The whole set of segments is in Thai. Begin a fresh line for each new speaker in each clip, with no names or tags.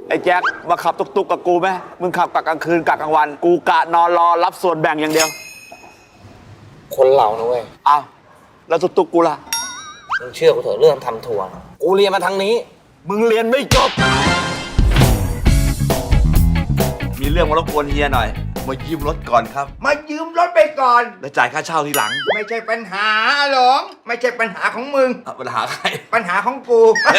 ไอ้แจ็คมาขับตุกๆกับกูไหมมึงขับกะกลางคืนกะกลางวันกูกะนอนรอรับส่วนแบ่งอย่างเดียว
คนเรานะเว้ย
อ้าวแล้วตุกๆกูล่ะ
มึงเชื่อกูเถอะเรื่องทำทัวร์กูเรียนมาทางนี้
มึงเรียนไม่จบมีเรื่องมารบกวนเฮียหน่อยมายืมรถก่อนครับ
มายืมรถไปก่อน
แล้วจ่ายค่าเช่าทีหลัง
ไม่ใช่ปัญหาหรอกไม่ใช่ปัญหาของมึง
ปัญหาใคร
ปัญหาของกู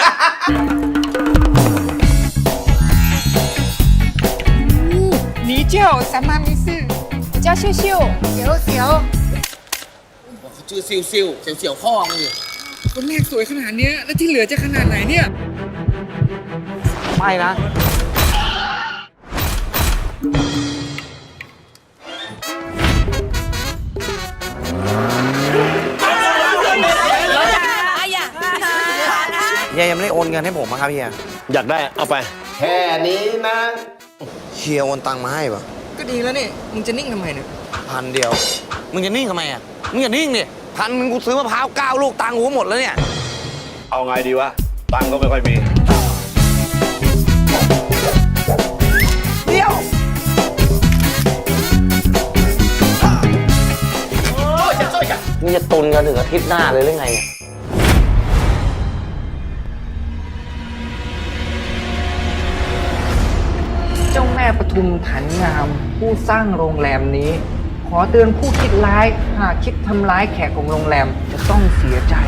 你叫什么名字？我叫秀秀。小小。
เขาชื่อซิวซิวเสียวเสียวข้อมึงดิ
คนแรกสวยขนาดนี้แล้วที่เหลือจะขนาดไหนเนี่ย
ไม่นะเฮียยังไม่ได้โอนเงินให้ผมครับเฮีย
อยากได้เอาไป
แค่นี้นะ
เฮียโอนตังค์มาให้ปะ
ก็ดีแล้วนี่มึงจะนิ่งทำไมเนี่ย
1,000เดียวมึงจะนิ่งทำไมอ่ะมึงอย่านิ่งดิ1,000มึงกูซื้อมะพร้าว9 ลูกตังค์กูหมดแล้วเนี่ย
เอาไงดีวะตังค์ก็ไม่ค่อยมี
เดี๋ยวมึงจะตุนกันถึงอาทิตย์หน้าเลยหรือไงเนี่ย
เจ้าแม่ปทุมถันงามผู้สร้างโรงแรมนี้ขอเตือนผู้คิดร้ายหากคิดทำร้ายแขกของโรงแรมจะต้องเสียใจ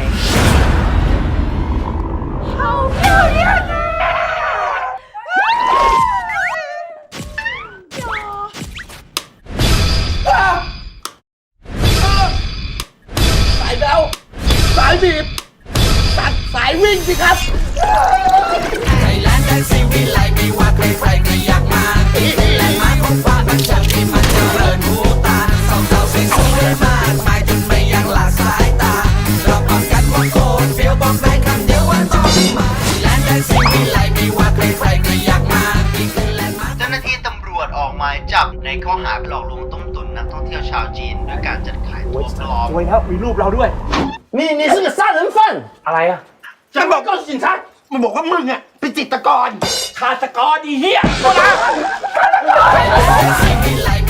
สายเบลสายบีบตัดสายวิ่งสิครับ
ไทยแลนด์ได้ซีวิไลไม่ว่าใครใครก็อยากมาที่เป็นแลนด์มาร์คของฟ้าบันเทิงที่มันเจริญหูตาสองสาวสวยๆมากมายจนไม่ยังหลากสายตาเราบอกกันว่าโคตรเฟี้ยวบอกได้คำเดียวว่าต้องมาไทยแลนด์ได้ซีวิไลไม่ว่าใครใครก็อยากมาที่เป็นแลนด์มาร์ค
เจ้าหน้าที่ตำรวจออกหมายจับในข้อหาหลอกลวงต้มตุ๋นนักท่องเที่ยวชาวจีนด้วยการจัดขายตั๋วปลอม
ไว้แล้วมีรูปเราด้วย
你是个杀人犯
อะไรอ่ะ
ฉันบอก告诉警察มันบอกว่ามึงอ่ะเป็นจิตรกรฆาตกรอีเหี้ย
ไทยแลนด์ได้ซีวิไล